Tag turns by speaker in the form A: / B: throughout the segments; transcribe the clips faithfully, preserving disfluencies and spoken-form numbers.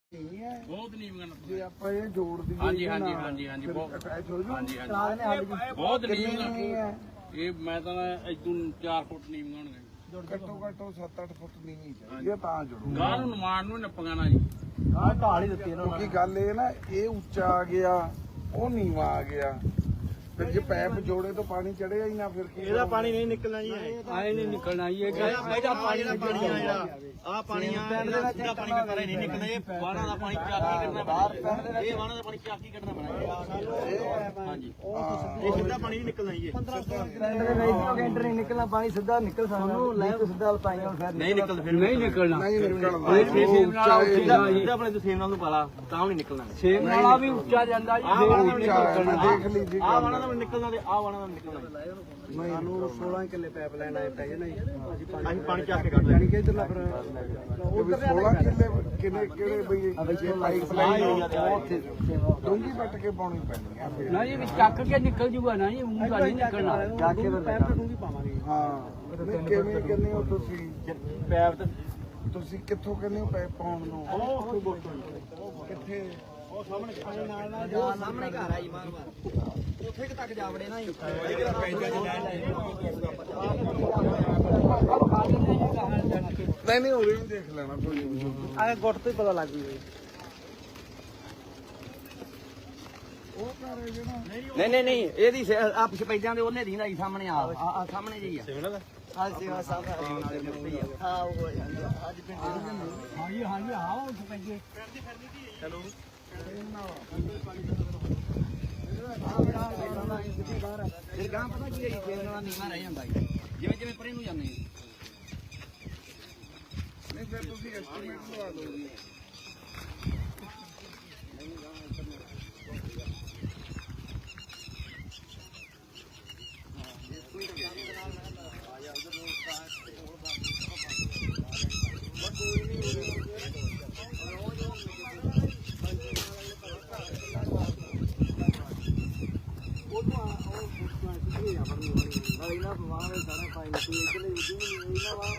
A: ਬਹੁਤ ਨੀਵੀਆਂ
B: ਜੇ ਆਪਾਂ ਇਹ ਜੋੜ ਦਈਏ
A: ਹਾਂਜੀ ਹਾਂਜੀ ਹਾਂਜੀ ਹਾਂਜੀ ਬਹੁਤ ਹਾਂਜੀ ਹਾਂਜੀ ਬਹੁਤ ਨੀਵੀਆਂ ਇਹ ਮੈਂ ਤਾਂ ਇਦੋਂ ਚਾਰ ਫੁੱਟ ਨੀਵੀਆਂ ਹੋਣਗੀਆਂ
B: ਘੱਟੋ ਘੱਟ ਸੱਤ ਅੱਠ ਫੁੱਟ ਨੀਵੀਂ ਚਾਹੀਦੀ ਤਾਂ ਜੋੜੋ
A: ਗਾਂ ਨੂੰ ਨਿਮਾਣ ਨੂੰ ਨੱਪੀਆਂ ਨਾ ਜੀ
C: ਆਹ ਢਾਲ ਹੀ ਦਿੱਤੀ ਇਹਨਾਂ
B: ਕਿਉਂਕਿ ਗੱਲ ਇਹ ਨਾ ਇਹ ਉੱਚਾ ਆ ਗਿਆ ਉਹ ਨੀਵਾਂ ਆ ਗਿਆ ਤੇ ਜੇ ਪੈਪ ਜੋੜੇ ਤੋਂ ਪਾਣੀ ਚੜਿਆ ਹੀ ਨਾ ਫਿਰ ਕੀ
C: ਇਹਦਾ ਪਾਣੀ ਨਹੀਂ ਨਿਕਲਣਾ ਜੀ
A: ਆਏ ਨਹੀਂ ਨਿਕਲਣਾ ਜੀ
C: ਇਹਦਾ ਪਾਣੀ ਦਾ ਪਾਣੀ ਆ ਜਿਹੜਾ ਆਹ ਪਾਣੀ ਆ ਇਹਦਾ ਪਾਣੀ ਦਾ ਪਾਣੀ ਨਹੀਂ ਨਿਕਲਣਾ ਇਹ ਵਾਣਾ ਦਾ ਪਾਣੀ ਚਾਕੀ ਕੱਢਣਾ ਪੈਣਾ ਇਹ ਵਾਣਾ ਦਾ ਪਾਣੀ ਚਾਕੀ ਕੱਢਣਾ ਪੈਣਾ ਹਾਂਜੀ ਇਹ ਸਿੱਧਾ ਪਾਣੀ ਨਹੀਂ ਨਿਕਲਣਾ ਜੀ
D: ਕੈਂਟਰ ਨਹੀਂ ਨਿਕਲਣਾ ਪਾਣੀ ਸਿੱਧਾ ਨਿਕਲ ਸਾਨੂੰ ਲੈ ਕੇ ਸਿੱਧਾ ਲਪਾਈਆਂ ਫਿਰ
C: ਨਹੀਂ ਨਿਕਲਦਾ ਫਿਰ
A: ਨਹੀਂ ਨਿਕਲਣਾ
B: ਨਹੀਂ ਨਿਕਲਦਾ
A: ਸੇਮ ਨਾਲ
C: ਇਹਦਾ ਆਪਣੇ ਤੋਂ ਸੇਮ ਨਾਲ ਨੂੰ ਪਾਲਾ ਤਾਂ ਨਹੀਂ ਨਿਕਲਣਾ
A: ਸੇਮ ਨਾਲਾ ਵੀ ਉੱਚਾ ਜਾਂਦਾ ਜੀ
B: ਆਹ ਵਾਲਾ ਨਿਕਲਣਾ ਦੇਖ ਲਈ ਜੀ
C: ਆਹ ਵਾਣਾ ਦਾ ਨਿਕਲਣਾ ਤੇ ਆਹ ਵਾਣਾ ਦਾ ਨਿਕਲਣਾ
D: ਸਾਨੂੰ ਸੋਲਾਂ ਕਿੱਲੇ ਪਾਈਪ ਲਾਈਨ ਆਏ ਪੈ ਜਾਣਾ
C: ਅਸੀਂ ਪਾਣੀ ਚੱਕ ਕੇ ਕੱਢ ਲੈਣੀ
D: ਕਿ ਇਧਰਲਾ ਫਿਰ
B: ਸੋਲਾਂ ਕਿੱਲੇ ਕਿੰਨੇ ਕਿਹੜੇ ਬਈ ਪਾਈਪ ਲਾਈਨ ਡੂੰਗੀ ਪੱਟ ਕੇ ਪਾਉਣੀ ਪੈਣੀ ਆ ਫਿਰ
A: ਨਾ ਜੀ ਚੱਕ ਕੇ ਨਿਕਲ ਜੂਗਾ ਨਾ ਜੀ ਮੂੰਹ ਦਾ ਨਹੀਂ ਨਿਕਲਣਾ
D: ਜਾ ਕੇ ਫਿਰ ਪੈਪ ਡੂੰਗੀ ਪਾਵਾਂਗੇ
B: ਹਾਂ ਨਹੀਂ ਕਿਵੇਂ ਕਹਿੰਦੇ ਹੋ ਤੁਸੀਂ
C: ਪੈਪ ਤੇ
B: ਤੁਸੀਂ ਕਿੱਥੋਂ ਕਹਿੰਦੇ ਹੋ ਪੈਪ ਪਾਉਣ ਨੂੰ
C: ਉਹ
B: ਕਿੱਥੇ
C: ਉਹ ਸਾਹਮਣੇ
D: ਨਾਲ ਨਾਲ ਜਾ ਸਾਹਮਣੇ ਘਰ ਆਈ ਮਾਰ ਮਾਰ ਉੱਥੇ ਕਿ ਤੱਕ ਜਾ ਵੜੇ ਨਾ
B: ਨਹੀਂ ਨਹੀਂ ਉਰੇ ਵੀ ਦੇਖ ਲੈਣਾ ਕੋਈ ਨਹੀਂ
D: ਆ ਗੁੱਟ ਤੋਂ ਹੀ ਪਤਾ ਲੱਗ ਜੂ
B: ਉਹ ਘਰ ਹੈ ਜਿਹੜਾ
D: ਨਹੀਂ ਨਹੀਂ ਨਹੀਂ ਇਹਦੀ ਆ ਸਪੈਜਾਂ ਦੇ ਉਹਨੇ ਦੀਂਦਾ ਜੀ ਸਾਹਮਣੇ ਆ ਆ ਸਾਹਮਣੇ ਜੀ ਆ
C: ਸਿਵਲ ਦਾ
D: ਆ ਸੇਵਾ ਸਾਹਿਬ ਨਾਲੇ ਮੁੱਤੇ ਆ ਹਾਂ ਉਹ ਅੱਜ ਪਿੰਡ
A: ਹਾਂਜੀ ਹਾਂਜੀ ਆਓ ਸਪੈਜੇ
C: ਚਲੋ
D: ਫਿਰ ਗਾਂ ਪਤਾ ਕੀ ਹੈ ਜੀ ਫੇਰ ਨਾਲ ਨੀਵਾਂ ਰਹਿ ਜਾਂਦਾ ਜੀ ਜਿਵੇਂ ਜਿਵੇਂ ਪਰੇ ਨੂੰ ਜਾਂਦੇ
B: ਨਹੀਂ ਫਿਰ ਤੁਸੀਂ ਐਸਟੀਮੇਟ ਲਵਾ ਦਿਓ ਜੀ
D: ਇਹਨਾਂ ਪਵਾਵੇ ਸਾਰਾ ਪਾਣੀ ਨਿਕਲ ਇਧਰਲੇ ਇਹਨਾਂ ਵਾ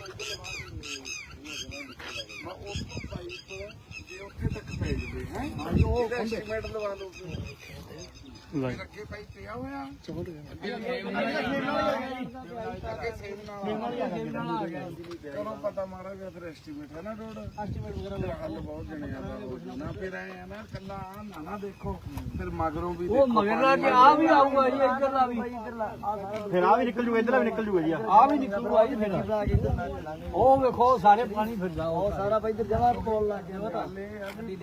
B: ਮੈਂ ਉਸ ਤੋਂ ਪਾਈਪ ਜੇ ਉੱਥੇ ਤੱਕ ਪੈ ਜਵੇ ਹੈ ਹਾਂਜੀ ਉਹ ਐਸਟੀਮੇਟ ਲਵਾ ਲਓ ਅੱਗੇ ਪਾਈਪ ਪਿਆ ਹੋਇਆ ਕਰੋ ਪਤਾ ਮਾਰਾ ਗਿਆ ਫਿਰ ਐਸਟੀਮੇਟ ਹੈ ਨਾ ਰੋਡ ਐਸਟੀਮੇਟ ਵਗੈਰਾ ਹੱਲ ਬਹੁਤ ਜਣੇ ਆ ਨਾ ਫਿਰ ਆਏ ਆ ਨਾ ਕੱਲਾ ਆ ਨਾ ਨਾ ਦੇਖੋ ਫਿਰ ਮਗਰੋਂ ਵੀ
A: ਉਹ ਮਗਰਲਾ ਕਿ ਆ ਵੀ ਆਊਗਾ ਜੀ ਇੱਧਰਲਾ ਵੀ
C: ਫਿਰ ਆ ਵੀ ਨਿਕਲ ਜੂਗਾ ਇਧਰਲਾ ਵੀ ਨਿਕਲ ਜੂਗਾ ਜੀ
A: ਆ ਵੀ ਨਿਕਲੂਗਾ ਜੀ ਫਿਰ ਉਹ ਵੇਖੋ ਸਾਰੇ ਪਾਣੀ ਫਿਰਦਾ ਉਹ
D: ਸਾਰਾ ਇੱਧਰ ਜਮਾ ਪੋਲ ਲੱਗ ਗਿਆ
B: ਗੱਲ ਇਹ ਆ ਵੀ